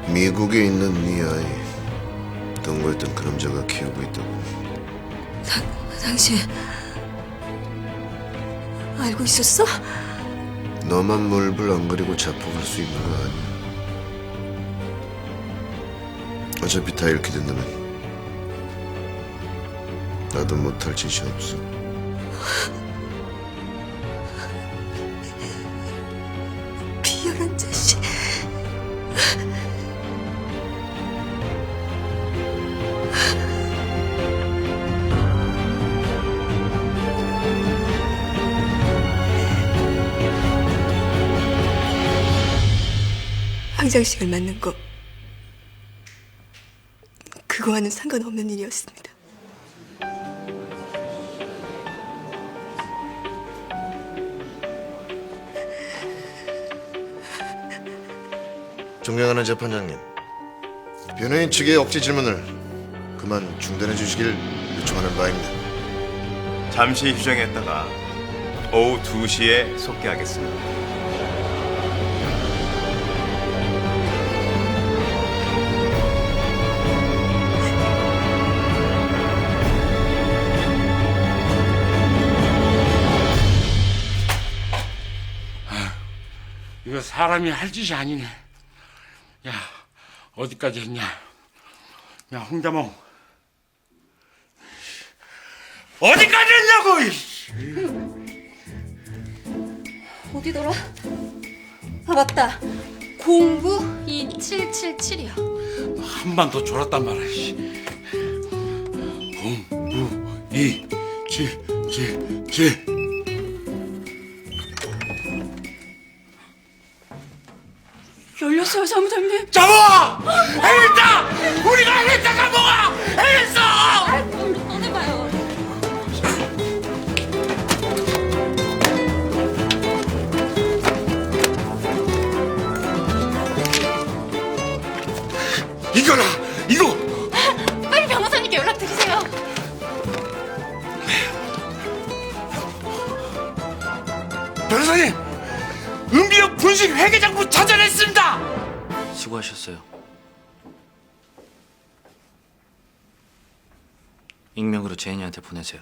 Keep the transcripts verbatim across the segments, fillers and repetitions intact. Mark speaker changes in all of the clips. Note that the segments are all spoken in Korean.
Speaker 1: 미국에 있는 네 아이 동거했던 그림자가 키우고 있다고.
Speaker 2: 당, 당신 알고 있었어?
Speaker 1: 너만 물불 안 가리고 자폭할 수 있는 거 아니야. 어차피 다 이렇게 된다면 나도 못할 짓이 없어.
Speaker 2: 비열한 자식. 황장식을 맞는 거 그거와는 상관없는 일이었습니다.
Speaker 1: 존경하는 재판장님, 변호인 측의 억지 질문을 그만 중단해 주시길 요청하는 바입니다.
Speaker 3: 잠시 휴정했다가 오후 두 시에 속개하겠습니다.
Speaker 4: 이거 사람이 할 짓이 아니네. 야, 어디까지 했냐? 야, 홍자몽. 어디까지 했냐고! 이씨.
Speaker 5: 어디더라? 아 맞다. 공구 이칠칠칠이야.
Speaker 4: 한 번 더 졸았단 말이야. 씨. 공, 구, 이, 칠, 칠, 칠.
Speaker 5: 열렸어요, 사무장님.
Speaker 4: 잡아! 해냈다! 우리가 해냈다, 잡아가! 해냈어!
Speaker 5: 얼른 꺼내봐요.
Speaker 4: 이거라! 이거!
Speaker 5: 빨리 변호사님께 연락드리세요.
Speaker 4: 변호사님! 은비역 분식 회계장부 찾아냈습니다!
Speaker 6: 수고하셨어요. 익명으로 제인이한테 보내세요.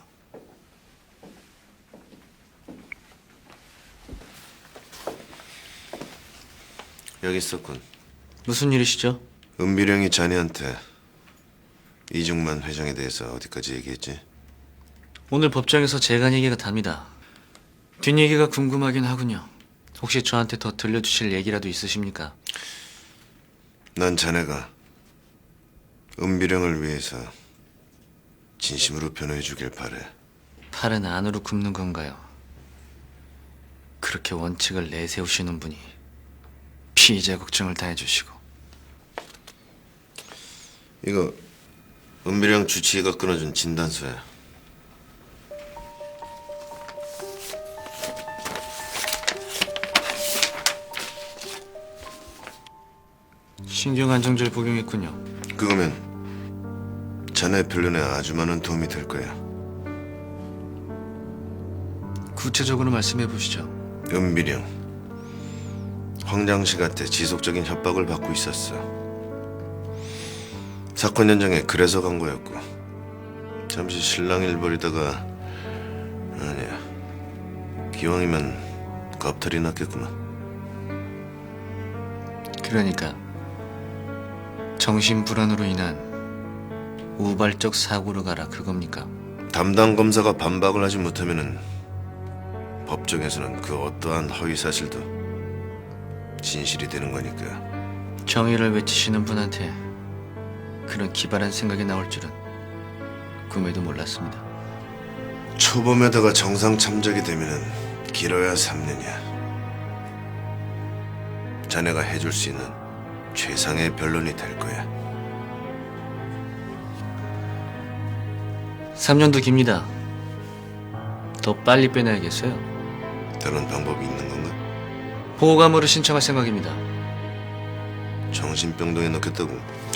Speaker 1: 여기 있었군.
Speaker 6: 무슨 일이시죠?
Speaker 1: 은비령이 자네한테 이중만 회장에 대해서 어디까지 얘기했지?
Speaker 6: 오늘 법정에서 재간 얘기가 답니다. 뒷얘기가 궁금하긴 하군요. 혹시 저한테 더 들려주실 얘기라도 있으십니까?
Speaker 1: 난 자네가 은비령을 위해서 진심으로 변호해 주길 바래.
Speaker 6: 팔은 안으로 굽는 건가요? 그렇게 원칙을 내세우시는 분이 피의자 걱정을 다 해주시고.
Speaker 1: 이거 은비령 주치의가 끊어준 진단서야.
Speaker 6: 신경안정제를 복용했군요.
Speaker 1: 그거면 자네 변론에 아주 많은 도움이 될 거야.
Speaker 6: 구체적으로 말씀해 보시죠.
Speaker 1: 은비령 황장식한테 지속적인 협박을 받고 있었어. 사건 현장에 그래서 간 거였고, 잠시 실랑이를 벌이다가 아니야, 기왕이면 겁탈이 났겠구만.
Speaker 6: 그러니까 정신불안으로 인한 우발적 사고로 가라 그겁니까?
Speaker 1: 담당 검사가 반박을 하지 못하면은 법정에서는 그 어떠한 허위 사실도 진실이 되는 거니까.
Speaker 6: 정의를 외치시는 분한테 그런 기발한 생각이 나올 줄은 꿈에도 몰랐습니다.
Speaker 1: 초범에다가 정상 참작이 되면은 길어야 삼 년이야. 자네가 해줄 수 있는 최상의 변론이 될 거야.
Speaker 6: 삼 년도 깁니다. 더 빨리 빼내야겠어요.
Speaker 1: 다른 방법이 있는 건가?
Speaker 6: 보호감으로 신청할 생각입니다.
Speaker 1: 정신병동에 넣겠다고?